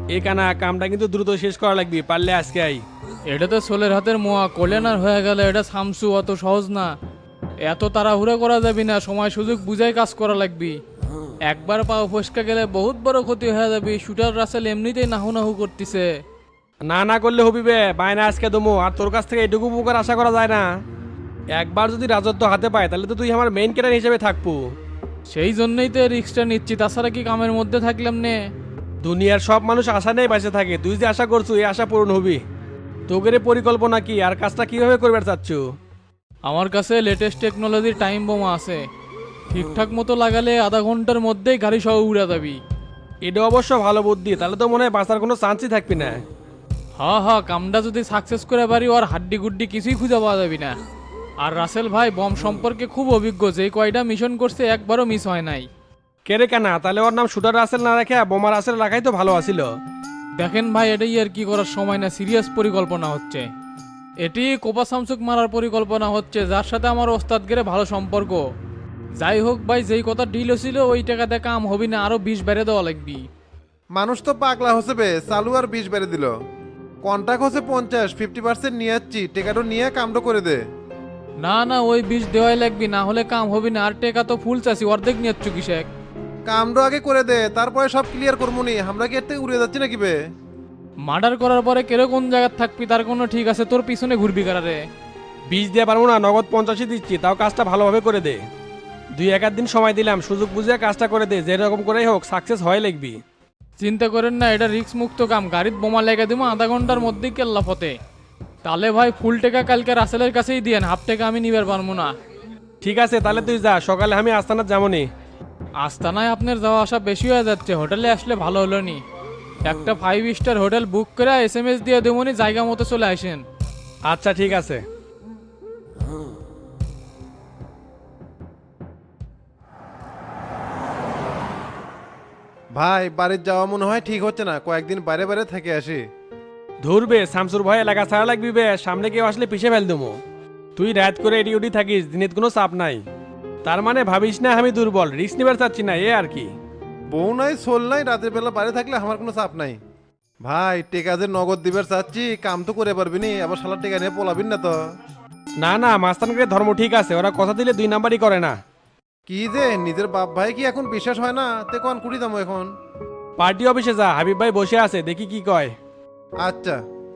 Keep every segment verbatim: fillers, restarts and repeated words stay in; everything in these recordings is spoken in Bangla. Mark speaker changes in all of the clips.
Speaker 1: এ কানা কামটা কিন্তু দ্রুত শেষ করা লাগবে, পারলে আজকে আই।
Speaker 2: এটা তো সোলের হাতের মোয়া কল্যাণার হয়ে গেল, এটা সামসু অত সহজ না। এত তাড়াহুড়া করা যাবি না, সময় সুযোগ বুঝাই কাজ করা লাগবি। একবার পাও ফসকা গেলে বহুত বড় ক্ষতি হয়ে যাবে। শুটার রাসেল এমনিতেই নাহু নাহু করতেছে।
Speaker 1: না না করলে হবি বে, বায়না আজকে দমো, আর তোর কাছ থেকে এটুকু উপকার আশা করা যায় না। একবার যদি রাজত্ব হাতে পায় তাহলে তো তুই আমার মেইন ক্যারেক্টার হিসেবে থাকবো।
Speaker 2: সেই জন্যই তো রিক্সটা নিচ্ছি, তাছাড়া কি কামের মধ্যে থাকলাম নে।
Speaker 1: দুনিয়ার সব মানুষ আশা নেই বেঁচে থাকে, তুই যে আশা করছু এই আশা পূরণ হবি। তোগের এ পরিকল্পনা কি আর কাজটা কিভাবে করবে চাচ্ছ?
Speaker 2: আমার কাছে লেটেস্ট টেকনোলজির টাইম বোমা আছে, ঠিকঠাক মতো লাগালে আধা ঘন্টার মধ্যেই গাড়ি সহ উড়ে যাবি।
Speaker 1: এটা অবশ্য ভালো বুদ্ধি, তাহলে তো মনে হয় বাঁচার কোনো চান্সই থাকবি না।
Speaker 2: হা হা, কামটা যদি সাকসেস করে পারি ওর হাড্ডি গুড্ডি কিছুই খুঁজে পাওয়া যাবি না। আর রাসেল ভাই বম সম্পর্কে খুব অভিজ্ঞ, যে কয়টা মিশন করছে একবারও মিস হয় নাই।
Speaker 1: কেরে কেনা, তাহলে ওর নাম শুটার রাসেল না রেখে বোমার রাসেল রাখাই তো ভালো আছিল।
Speaker 2: দেখেন ভাই, এটাই আর কি করার সময় না, সিরিয়াস পরিকল্পনা হচ্ছে। এটি কোপা সামসুক মারার পরিকল্পনা হচ্ছে, যার সাথে আমার ওস্তাদ গেরে ভালো সম্পর্ক। যাই হোক ভাই, যেই কথা ডিল ছিল ওই টাকাতে কাম হবি না, আরো বিষ বেড়ে দেওয়া লাগবি।
Speaker 3: মানুষ তো পাগলা হচ্ছে বে, চালু আর বিশ বেড়ে দিল। কন্ট্রাক্ট হচ্ছে পঞ্চাশ, ফিফটি পার্সেন্ট নিয়ে যাচ্ছি, টেকাটো নিয়ে কামটা করে দে।
Speaker 2: না না, ওই বিষ দেওয়াই লাগবি, না হলে কাম হবি না। আর টেকা তো ফুল চাষি, অর্ধেক নিয়ে কিসেক।
Speaker 3: কামটা আগে করে দে, তারপরে সব ক্লিয়ার করবো নি। আমরা কি এর থেকে উড়ে যাচ্ছি নাকি বে?
Speaker 2: মার্ডার করার পরে কেরো কোন জায়গায় থাকবি তার কোনো ঠিক আছে, তোর পিছনে ঘুরবি কারারে।
Speaker 1: বীজ দিয়ে পারবো না, নগদ পঞ্চাশই দিচ্ছি, তাও কাজটা ভালোভাবে করে দে। দুই এক আধ দিন সময় দিলাম, সুযোগ বুঝে কাজটা করে দে, যেরকম করেই হোক সাকসেস হয় লিখবি।
Speaker 2: চিন্তা করেন না, এটা রিস্ক মুক্ত কাম। গাড়ির বোমা লেগে দিব আধা ঘন্টার মধ্যেই কেল্লা ফতে। তাহলে ভাই ফুল টেকা কালকে রাসেলের কাছেই দিয়েন, হাফ টেকা আমি নিবার পারবো না।
Speaker 1: ঠিক আছে, তাহলে তুই যা, সকালে আমি আস্তানাত যাবনি।
Speaker 2: আস্তানায় আপনার যাওয়া আসা বেশি হয়ে যাচ্ছে, হোটেলে আসলে ভালো হলো নি। একটা ফাইভ স্টার হোটেল বুক করে এস এম এস দিয়ে দেবনি, জায়গা মতো চলে আসেন।
Speaker 1: আচ্ছা ঠিক আছে।
Speaker 3: ভাই বাড়ির যাওয়া মনে হয় ঠিক হচ্ছে না, কয়েকদিন বাইরে বাইরে থেকে আসি।
Speaker 1: ধরবে শামসুর ভয় এলাকা ছাড়া লাগবি বে, সামনে কেউ আসলে পিছে ফেল দেবো। তুই রাত করে এডি উডি থাকিস, দিনের কোনো চাপ নাই। তার মানে ভাবিস না আমি দুর্বল, রিস্ক নিবার চাচ্ছি না, এ আর কি।
Speaker 3: বউ নাই সোল নাই, রাতের বেলা বাইরে থাকলে আমার কোনো চাপ নাই। ভাই টেকা যে নগদ দিবার চাচ্ছি, কাম তো করে পারবি নি, আবার শালা টেকা নিয়ে পলাবিন না তো?
Speaker 1: না না, মাস্তানকে ধর্ম ঠিক আছে, ওরা কথা দিলে দুই নাম্বারই করে না।
Speaker 3: কি যে নিজের বাপ ভাই কি এখন বিশ্বাস হয় না? তে কন কুড়ি দাম এখন।
Speaker 1: পার্টি অফিসে যা, হাবিব ভাই বসে আছে, দেখি কি কয়।
Speaker 3: আচ্ছা।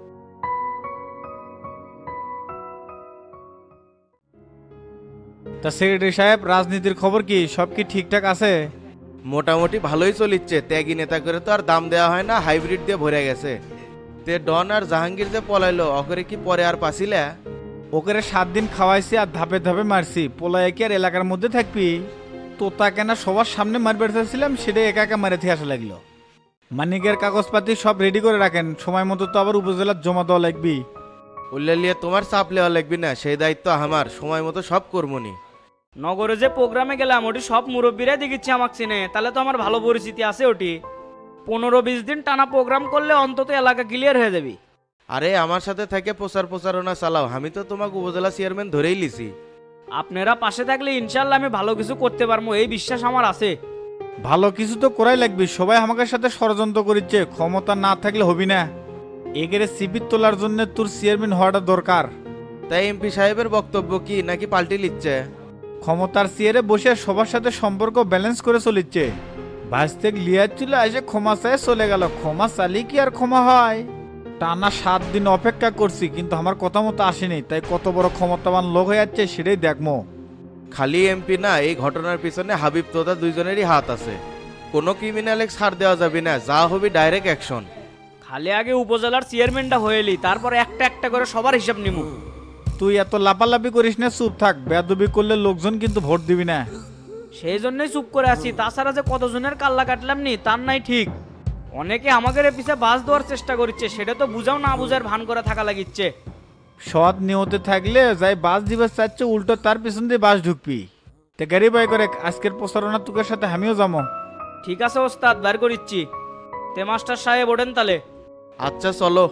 Speaker 4: তা সেক্রেটারি সাহেব, রাজনীতির খবর কি? সব কি ঠিকঠাক আছে?
Speaker 5: মোটামুটি ভালোই চলিচ্ছে। ত্যাগী নেতা করে তো আর দাম দেওয়া হয় না, হাইব্রিড দিয়ে ভরে গেছে। তে ডন আর জাহাঙ্গীর যে পলাইলো, অকরে কি পরে আর পাছিলা?
Speaker 4: ওকে সাত দিন খাওয়াইছি আর ধাপে ধাপে মারছি, পোলায় কি আর এলাকার মধ্যে থাকবি? তোতা কেনা সবার সামনে মারবে চাইছিলাম, সেটাই একা একা মারে থেকে আসা লাগলো। মানিকের কাগজপাতি সব রেডি করে রাখেন, সময় মতো তো আবার উপজেলার জমা দেওয়া লাগবি।
Speaker 5: উল্লেলিয়ে তোমার চাপ লেওয়া লাগবি না, সেই দায়িত্ব আমার, সময় মতো সব করবনি।
Speaker 6: নগরে যে প্রোগ্রামে গেলাম ওটি সব মুরব্বীরাই দেখিচ্ছে আমাকে চিনে, তাহলে তো আমার ভালো পরিচিতি আছে ওটি। পনেরো বিশ দিন টানা প্রোগ্রাম করলে অন্তত এলাকা ক্লিয়ার হয়ে যাবি।
Speaker 5: আরে আমার সাথে থেকে প্রচার প্রচারণা চালাও, আমি তো তোমাকে উপজেলা চেয়ারম্যান ধরেই লিছি।
Speaker 6: আপনারা পাশে থাকলে ইনশাল্লাহ আমি ভালো কিছু করতে পারবো, এই বিশ্বাস আমার আছে।
Speaker 4: ভালো কিছু তো করাই লাগবি, সবাই আমাদের সাথে ষড়যন্ত্র করিচ্ছে, ক্ষমতা না থাকলে হবি না। এগেরে সিবির তোলার জন্য তোর চেয়ারম্যান হওয়াটা দরকার।
Speaker 5: তাই এমপি সাহেবের বক্তব্য কি, নাকি পাল্টি লিচ্ছে?
Speaker 4: ক্ষমতার চেয়ারে বসে সবার সাথে সম্পর্ক ব্যালেন্স করে চলিচ্ছে। ভাজতেক লিয়ার ছিল, এসে ক্ষমা চায় চলে গেল। ক্ষমা চালি কি আর ক্ষমা হয়? টানা সাত দিন অপেক্ষা করছি, কিন্তু আমার কথা মতো আসেনি, তাই কত বড় ক্ষমতাবান লোক হয়ে যাচ্ছে সেটাই দেখবো।
Speaker 5: খালি এমপি না, এই ঘটনার পিছনে হাবিব তোতা দুইজনেরই হাত আছে। কোনো ক্রিমিনালে ছাড় দেওয়া যাবে না, যা হবে ডাইরেক্ট অ্যাকশন।
Speaker 6: খালি আগে উপজেলার চেয়ারম্যানটা হয়েলি, তারপর একটা একটা করে সবার হিসাব নিমু।
Speaker 4: তুই এত লাপালাপি করিস না, চুপ থাক। বেয়াদবি করলে লোকজন কিন্তু ভোট দিবি না।
Speaker 6: সেই জন্যই চুপ করে আছি, তাছাড়া যে কতজনের কাল্লা কাটলাম নি তার নাই ঠিক। অনেকে আমাদের পিছে বাস দেওয়ার চেষ্টা করছে, সেটা তো বুঝাও না বুঝার ভান করে থাকা লাগিচ্ছে।
Speaker 4: সৎ নিয়তে থাকলে যাই বাস দিবার চাচ্ছে, উল্টো তার পিছন দিয়ে বাস ঢুকবি। তে গাড়ি বাই করে আজকের প্রচারণা তোকের সাথে আমিও যাবো।
Speaker 6: ঠিক আছে ওস্তাদ, বার করিচ্ছি। তে মাস্টার সাহেব ওঠেন তালে।
Speaker 5: আচ্ছা চলো।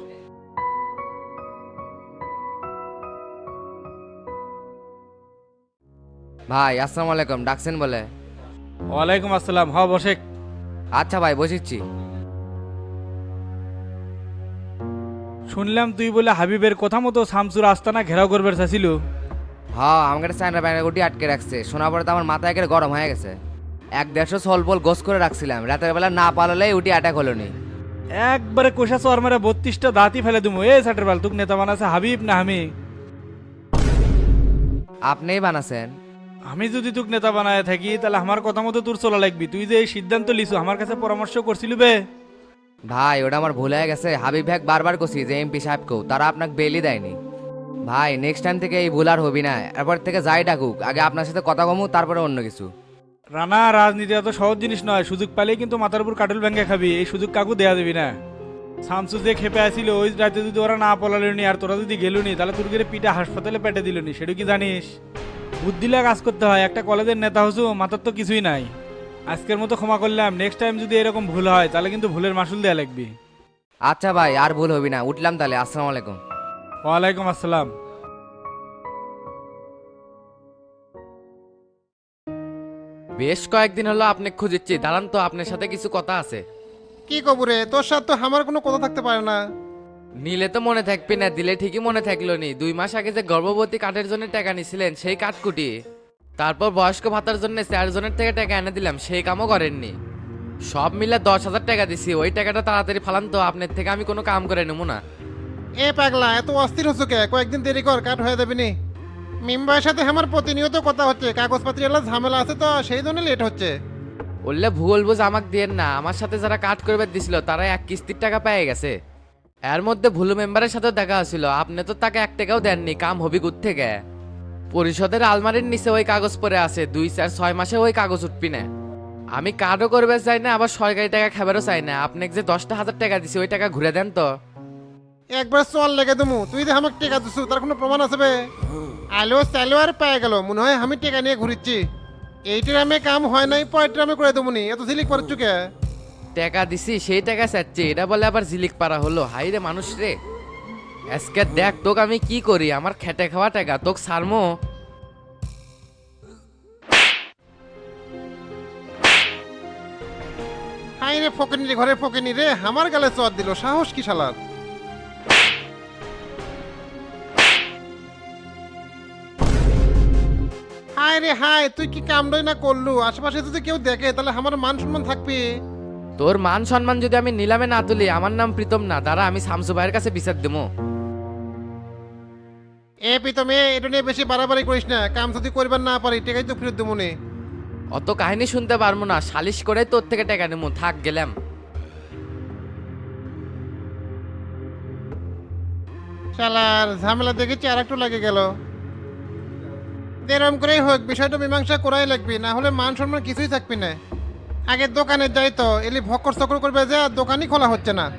Speaker 7: ভাই আসসালামু আলাইকুম, ডাকছেন বলে?
Speaker 2: ওয়ালাইকুম আসসালাম, হ বসে।
Speaker 7: আচ্ছা ভাই বসিচ্ছি।
Speaker 2: শুনলাম তুই বলে হাবিবের কথা মতো শামসুর আস্তানা ঘেরাও করবে চাইছিল।
Speaker 7: হ্যাঁ আমাকে একটা চায়না ব্যানার গুটি আটকে রাখছে, শোনার পরে তো আমার মাথা একেবারে গরম হয়ে গেছে। এক দেড়শো সলপল গোস করে রাখছিলাম, রাতের বেলা না পালালেই উটি অ্যাটাক হলো নি।
Speaker 2: একবারে কোষা চর মেরে বত্রিশটা দাঁতই ফেলে দেবো। এ সাটের বাল তুক নেতা বানাছে হাবিব না আমি?
Speaker 7: আপনিই বানাছেন।
Speaker 2: আমি যদি তুক নেতা বানায় থাকি তাহলে আমার কথা মতো তোর চলা লাগবি। তুই যে এই সিদ্ধান্ত লিছু আমার কাছে পরামর্শ করছিলি বে।
Speaker 7: ভাই ওটা আমার ভুল হয়ে গেছে, হাবিব ভাই বারবার কছি যে এমপি সাহেবকেও, তারা আপনাকে বেলই দেয়নি। ভাই নেক্সট টাইম থেকে এই ভুল আর হবি না, এরপর থেকে যাই ডাকুক আগে আপনার সাথে কথা কমু তারপরে অন্য কিছু।
Speaker 2: রানা, রাজনীতি এত সহজ জিনিস নয়, সুযোগ পেলেই কিন্তু মাথার উপর কাটল ব্যাঙ্গে খাবি। এই সুযোগ কাকু দেয়া দেবি না। শামসু যে খেপে আসিল ওই রাতে যদি ওরা না পলালনি আর তোরা যদি গেলুনি তাহলে তোর গিয়ে পিঠা হাসপাতালে পেটে দিলনি, সেটা কি জানিস? বুদ্ধিলা কাজ করতে হয়, একটা কলেজের নেতা হসু মাথার তো কিছুই নাই। আজকের মতো ক্ষমা করলাম, নেক্সট টাইম যদি এরকম ভুল হয় তাহলে কিন্তু ভুলের মাসুল দেয়া লাগবি।
Speaker 7: আচ্ছা ভাই আর ভুল হবি না, উঠলাম তাহলে, আসসালামু আলাইকুম।
Speaker 2: ওয়ালাইকুম আসসালাম।
Speaker 8: বেশ কয়েকদিন হলো আপনি খুঁজেছি, দাঁড়ান তো আপনার সাথে কিছু কথা আছে।
Speaker 3: কি কবরে তোর সাথে তো আমার কোনো কথা থাকতে পারে না।
Speaker 8: নিলে তো মনে থাকবি না, দিলে ঠিকই মনে থাকলো নি। দুই মাস আগে যে গর্ভবতী কার্ডের জন্য টাকা নিছিলেন সেই কাঠকুটি, তারপর বয়স্ক ভাতার জন্য চারজনের থেকে টাকা এনে দিলাম, সেই কামও করেননি। সব মিলে দশ হাজার টাকা দিছি। ওই টাকাটা তাড়াতাড়ি ফালান তো, আপনার থেকে আমি কোনো কাম করে নেবো না।
Speaker 3: এ পাগলা এত অস্থির হচ্ছে কে? কয়েকদিন দেরি কর, কাট হয়ে যাবে নি। মেম্বারের সাথে আমার প্রতিনিয়ত কথা হচ্ছে, কাগজপত্র এলা ঝামেলা আছে তো সেই জন্য লেট হচ্ছে।
Speaker 8: বললে ভুল বুঝ আমাকে দিয়েন না, আমার সাথে যারা কাট করবে দিছিল তারা এক কিস্তির টাকা পেয়ে গেছে। এর মধ্যে ভুলু মেম্বারের সাথেও দেখা হয়েছিল, আপনি তো তাকে এক টাকাও দেননি। কাম হবি গুড থেকে পরিষদের আলমারির নিচে ওই কাগজ পড়ে আছে, দুই চার ছয় মাসে ওই কাগজ উঠবি না। আমি কার্ডও করবে চাই না, আবার সরকারি টাকা খাবারও চাই না। আপনাকে যে দশটা হাজার টাকা দিছি ওই টাকা ঘুরে দেন তো।
Speaker 3: একবার চল লেগে দেবো, তুই যে আমাকে টেকা দিছু তার কোনো প্রমাণ আছে বে? আলো চাইলো আর পেয়ে গেল, মনে হয় আমি টেকা নিয়ে ঘুরিচ্ছি। এই ট্রামে কাম হয় নাই, পরের ট্রামে করে দেবো নি, এত ঝিলিক পারছু কে?
Speaker 8: টাকা দিছি সেই টাকা চাচ্ছি, এটা বলে আবার জিলিক পারা হলো। হাই রে মানুষ রে, আজকে দেখ তোকে আমি কি করি। আমার খেটে খাওয়া টাকা তোকে সারমো।
Speaker 3: হাই রে ফকিনি রে, ঘরে ফকিনি রে, আমার গালে চর দিল, সাহস কি শালার? হাই রে হাই, তুই কি কামড়ই না করলু? আশেপাশে যদি কেউ দেখে তাহলে আমার মান সম্মান থাকবে?
Speaker 8: তোর মান সম্মান যদি আমি নিলামে না তুলি, আমার নাম প্রীতম না, দাঁড়া আমি শামসু ভাইয়ের কাছে বিচার দেবো।
Speaker 3: এ প্রীতম, এ এটা নিয়ে বেশি বাড়াবাড়ি করিস না, কাম যদি করবার না পারি টেকাই তো ফেরত দেবো নে।
Speaker 8: অত কাহিনী শুনতে পারবো না, সালিশ করে তোর থেকে টাকা নেবো। থাক গেলাম।
Speaker 3: শালার ঝামেলা দেখেছি আর একটু লাগে গেল। এরম করেই হোক, বিষয়টা মীমাংসা করাই লাগবে, না হলে মান সম্মান কিছুই থাকবি না। আগে দোকানে যাই তো, এলি ভক্কর চক্কর করবে যে আর দোকানই খোলা হচ্ছে না।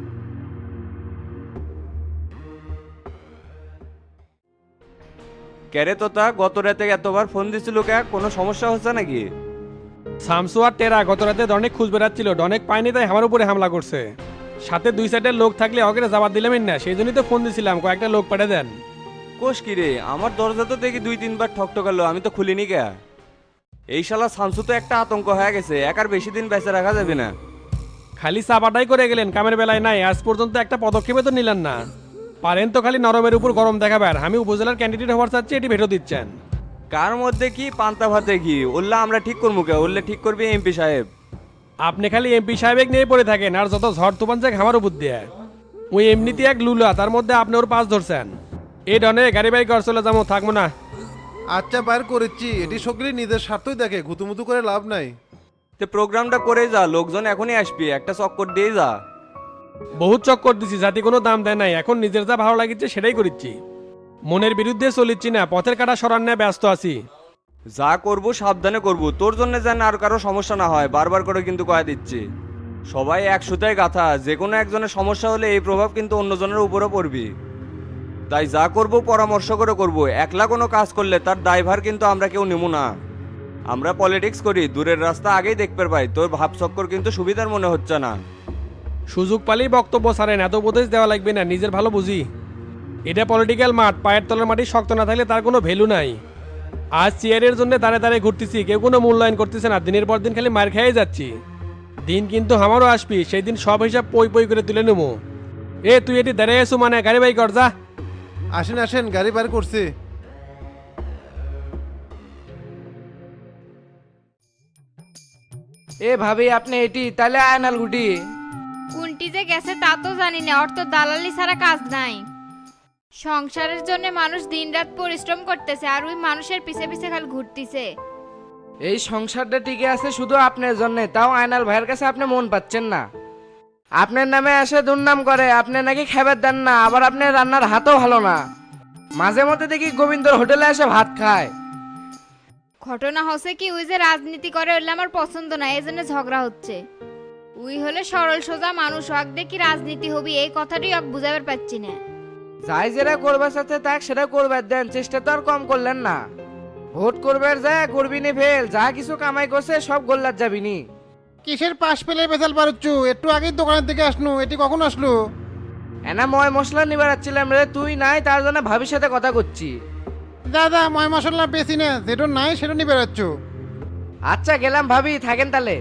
Speaker 9: ক্যারে তোতা, গত রাতে এতবার ফোন দিছিল কে? কোনো সমস্যা হচ্ছে নাকি?
Speaker 1: শামসু আর টেরা গত রাতে অনেক খুঁজ বেড়াচ্ছিল, অনেক পায়নি তাই আমার উপরে হামলা করছে। সাথে দুই সাইডের লোক থাকলে অগেরে জবাব দিলাম না, সেই জন্যই তো ফোন দিছিলাম কয়েকটা লোক পাঠিয়ে দেন।
Speaker 9: কোষ কি রে, আমার দরজা তো দেখি দুই তিনবার ঠকঠকালো, আমি তো খুলিনি কে। এই শালা শামসু তো একটা আতঙ্ক হয়ে গেছে, একার বেশি দিন বেঁচে রাখা যাবে না।
Speaker 1: খালি চাপাটাই করে গেলেন, কামের বেলায় নাই। আজ পর্যন্ত একটা পদক্ষেপে তো নিলেন না। পারেন তো খালি নরমের উপর গরম দেখাবার। আমি উপজেলার ক্যান্ডিডেট হওয়ার চাচ্ছি, এটি ভেটো দিচ্ছেন।
Speaker 9: কার মধ্যে কি পান্তা ভাতে কি? ওল্লা আমরা ঠিক করবো কে? ওল্লে ঠিক করবি এমপি সাহেব।
Speaker 1: আপনি খালি এমপি সাহেব নিয়ে পড়ে থাকেন, আর যত ঝড় তুফান যাক আমার উপর দিয়ে। ওই এমনিতে এক লুলা, তার মধ্যে আপনি ওর পাশ ধরছেন। এই ডনে গাড়ি বাড়ি ঘর চলে যাবো, থাকবো না।
Speaker 3: আচ্ছা বাইর করেছি, এটি সকলে নিজের স্বার্থই দেখে, ঘুতুমুতু করে লাভ নাই।
Speaker 9: তে প্রোগ্রামটা করে যা, লোকজন এখনই আসবি, একটা চক্কর দিয়ে যা।
Speaker 1: বহুত চক্কর দিছি, জাতি কোনো দাম দেয় নাই। এখন নিজের যা ভালো লাগিচ্ছে সেটাই করিচ্ছি, মনের বিরুদ্ধে চলিচ্ছি না। পথের কাটা সরান নিয়ে ব্যস্ত আছি।
Speaker 9: যা করবো সাবধানে করবো, তোর জন্য যেন আর কারো সমস্যা না হয়, বারবার করে কিন্তু কয়ে দিচ্ছি। সবাই এক সুতায় গাথা, যে কোনো একজনের সমস্যা হলে এই প্রভাব কিন্তু অন্যজনের উপরও পড়বি। তাই যা করবো পরামর্শ করে করবো, একলা কোনো কাজ করলে তার দায়ভার কিন্তু আমরা কেউ নেব না। আমরা পলিটিক্স করি, দূরের রাস্তা আগেই দেখতে পাই। তোর ভাব চক্কর কিন্তু সুবিধার মনে হচ্ছে না।
Speaker 1: সুযোগ পালেই বক্তব্য ছাড়েন, এত উপদেশ দেওয়া লাগবে না, নিজের ভালো বুঝি। এটা পলিটিক্যাল মাঠ, পায়ের তলার মাটি শক্ত না থাকলে তার কোনো ভ্যালু নাই। আজ চেয়ারের জন্য দাঁড়ে দাঁড়িয়ে ঘুরতেছি, কেউ কোনো মূল্যায়ন করতেছে না। দিনের পর দিন খালি মার খেয়ে যাচ্ছি। দিন কিন্তু আমারও আসবি, সেই দিন সব হিসাব পই পই করে তুলে নেবো। এ তুই এটি দাঁড়িয়ে এসো মানে গাড়ি বাই কর যা।
Speaker 3: আসেন আসেন, গাড়ি বার করছি।
Speaker 7: এ ভাবি আপনি এটি তাহলে আয়নাল গুটি
Speaker 10: কোনটি যে গেছে তা তো জানি না, ওর তো দালালি ছাড়া কাজ নাই। সংসারের জন্য মানুষ দিনরাত পরিশ্রম করতেছে আর ওই মানুষের পিছে পিছে খালি ঘুরতিছে।
Speaker 7: এই সংসারটা টিকে আছে শুধু আপনার জন্য, তাও আয়নাল ভাইয়ের কাছে আপনি মন পাচ্ছেন না। আপনার নামে এসে দুর্নাম করে, আপনি নাকি খাবার দেন না, আবার আপনার রান্নার হাতও ভালো না। মাঝে মধ্যে দেখি গোবিন্দর হোটেলে এসে ভাত খায়।
Speaker 10: ঘটনা হচ্ছে কি, ওই যে রাজনীতি করে ওইলে আমার পছন্দ না, এই জন্য ঝগড়া হচ্ছে। ওই হলে সরল সোজা মানুষ, হক দেখি রাজনীতি হবি এই কথাটাই হক বুঝাবার পাচ্ছি না।
Speaker 7: যাই যেটা করবার সাথে তাক সেটা করবার দেন, চেষ্টা তো আর কম করলেন না। ভোট করবার যায় করবিনি ফেল, যা কিছু কামাই করছে সব গোল্লার যাবিনি।
Speaker 3: কিসের পাশ পেলে বেচাল পারুচ্ছু? একটু আগেই দোকানের দিকে আসনু, এটি কখন আসলো?
Speaker 7: এনা ময় মশলা নিবার যাচ্ছিলাম রে, তুই নাই তার জন্য ভাবির সাথে কথা করছি।
Speaker 3: দাদা ময় মশলা বেশি না, যেটা নাই সেটা নিয়ে বেড়াচ্ছ।
Speaker 7: আচ্ছা গেলাম ভাবি, থাকেন তাহলে।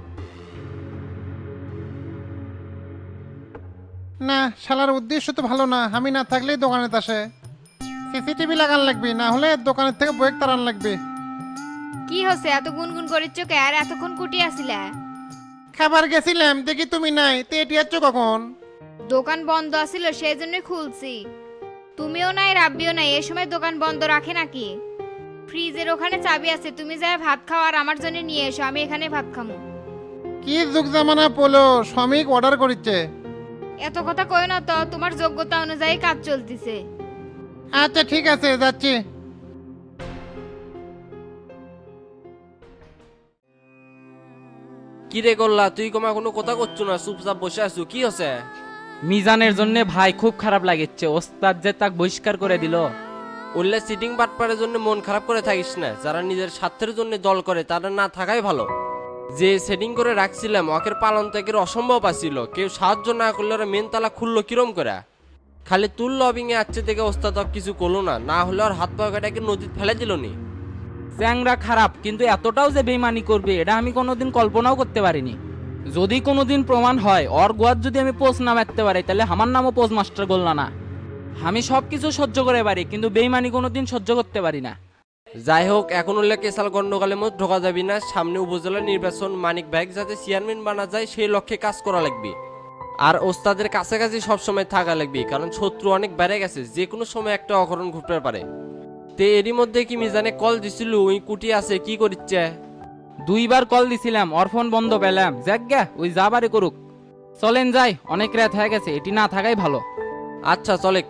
Speaker 3: না, শালার উদ্দেশ্য তো ভালো না, আমি না থাকলেই দোকানে আসে। সিসিটিভি লাগান লাগবে, না হলে দোকানের থেকে বইয়ের তারান লাগবে।
Speaker 10: কি হচ্ছে এত গুনগুন করিচ্ছ কে? আর এতক্ষণ কুটি আসিলা?
Speaker 3: খাবার গেছিলাম, দেখি তুমি নাই, তো এটি যাচ্ছ কখন?
Speaker 10: দোকান বন্ধ আছিল সেই জন্যই খুলছি। তুমিও নাই রাব্বিও নাই, এই সময় দোকান বন্ধ রাখে নাকি? ফ্রিজের ওখানে চাবি আছে, তুমি যাই ভাত খাও আর আমার জন্য নিয়ে এসো, আমি এখানে ভাত খামু।
Speaker 3: কি যুগ জামানা পড়লো, শ্রমিক অর্ডার করিচ্ছে।
Speaker 10: এত কথা কয় না তো, তোমার যোগ্যতা অনুযায়ী কাজ চলতিছে।
Speaker 3: আচ্ছা ঠিক আছে, যাচ্ছি।
Speaker 11: কি রে করলা তুই কমা কোনো কথা করছো না, চুপচাপ বসে আছো, কি হচ্ছে?
Speaker 6: মিজানের জন্য ভাই খুব খারাপ লাগছে, ওস্তাদ যে তাক বহিষ্কার করে দিল।
Speaker 11: উল্লে সিটিং পাটপারের জন্য মন খারাপ করে থাকিস না, যারা নিজের স্বার্থের জন্য দল করে তারা না থাকাই ভালো। যে সেটিং করে রাখছিলাম ওকের পালন ত্যাগের অসম্ভব আছিল, কেউ সাহায্য না করলে ওরা মেন তালা খুললো কিরম করে। খালি তুল লবিং এ আসছে দেখে ওস্তাদ আর কিছু করলো না, না হলে আর হাত পা কাটাকে নদীতে ফেলে দিল নি।
Speaker 6: চ্যাংরা খারাপ, কিন্তু এতটাও যে বেইমানি করবে এটা আমি কোনোদিন কল্পনাও করতে পারিনি। যদি কোনোদিন প্রমাণ হয় ওর গোয়ার যদি আমি পোস্ট না মারতে পারি, তাহলে আমার নামও পোস্ট মাস্টার গোল্লা না। আমি সব কিছু সহ্য করে পারি, কিন্তু বেইমানি কোনোদিন সহ্য করতে পারি না।
Speaker 11: যাই হোক, এখন উল্লে কেসাল গন্ডগোলের মধ্যে ঢোকা যাবি না। সামনে উপজেলা নির্বাচন, মানিক ভাই যাতে চেয়ারম্যান বানা যায় সেই লক্ষ্যে কাজ করা লাগবে। আর ওস্তাদের কাছাকাছি সবসময় থাকা লাগবে, কারণ শত্রু অনেক বেড়ে গেছে, যে কোনো সময় একটা অঘটন ঘটতে পারে। তে এরই মধ্যে কি মিজানে কল দিছিল, ওই কুটি আছে কি করিচ্ছে?
Speaker 6: দুইবার কল দিছিলাম, ওর ফোন বন্ধ পেলাম। যাক গা, ওই যা বারে করুক। চলেন যাই, অনেক রাত হয়ে গেছে, এটি না থাকাই ভালো।
Speaker 11: আচ্ছা চলেক।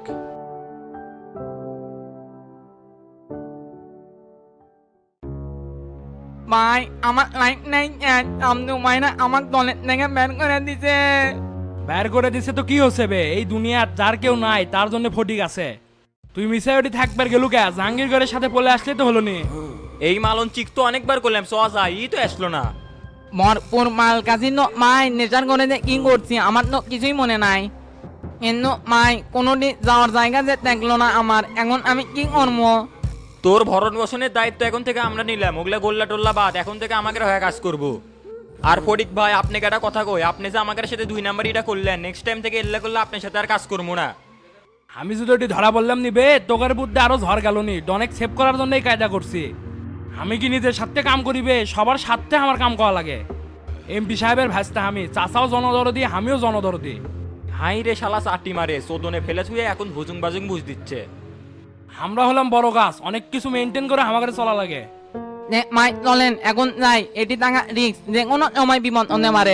Speaker 6: ভাই আমার লাইট নাই, আমদু মাইনা আমার দলের থেকে বের করে দিছে।
Speaker 1: বের করে দিছে তো কি হচ্ছে বে, এই দুনিয়ার যার কেউ নাই তার জন্য ফটিক আছে। তুই মিসাইটি থাকবার গেলু কে? জাহাঙ্গীর ঘরের সাথে পলে আসলে তো হলো নি।
Speaker 2: এই মালন চিক তো অনেকবার করলাম, সওয়া যায় ই তো আসলো না।
Speaker 6: মরপুর মাল কাজি ন মাই নেচার করে যে কি করছি আমার তো কিছুই মনে নাই। এন্ন মাই কোনোদিন যাওয়ার জায়গা যে দেখলো না আমার, এখন আমি কি করবো?
Speaker 2: তোর ভরণ পোষণের দায়িত্ব এখন থেকে আমরা নিলাম, ওগুলা গোল্লা টোল্লা বাদ, এখন থেকে আমাকে হয়ে কাজ করব। আর ফটিক ভাই আপনাকে একটা কথা কই, আপনি যে আমাদের সাথে দুই নাম্বার এটা করলেন, নেক্সট টাইম থেকে এল্লা করলে আপনার সাথে আর কাজ করবো না।
Speaker 1: আমি যদি ওটি ধরা বললাম নিবে, তোকের বুদ্ধে আরো ঝড় গেল নি। অনেক সেভ করার জন্যই কায়দা করছি। আমি কি নিজের সাথে কাম করিবে? সবার সাথে আমার কাম করা লাগে। এমপি সাহেবের ভাসতে আমি, চাচাও জনদরদি, আমিও জনদরদি।
Speaker 2: হাই রে শালা চাটি মারে, চোদনে ফেলে ছুঁয়ে এখন ভুজুং বাজুং বুঝ দিচ্ছে।
Speaker 1: আমরা হলাম বড় গাছ, অনেক কিছু মেনটেন করে আমাকে চলা লাগে।
Speaker 6: মাই চলেন এখন যাই, এটি টাকা রিক্স, যে কোনো সময় বিপদ হতে পারে।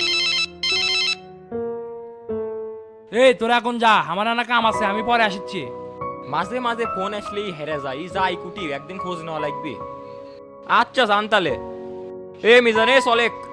Speaker 1: এই তোরা এখন যা, আমার নানা কাম আছে, আমি পরে আসছি।
Speaker 2: মাঝে মাঝে ফোন আসলেই হেরে যায়, যাই কুটি একদিন খোঁজ নেওয়া লাগবে। আচ্ছা জানতালে এ মিজানে চলেক।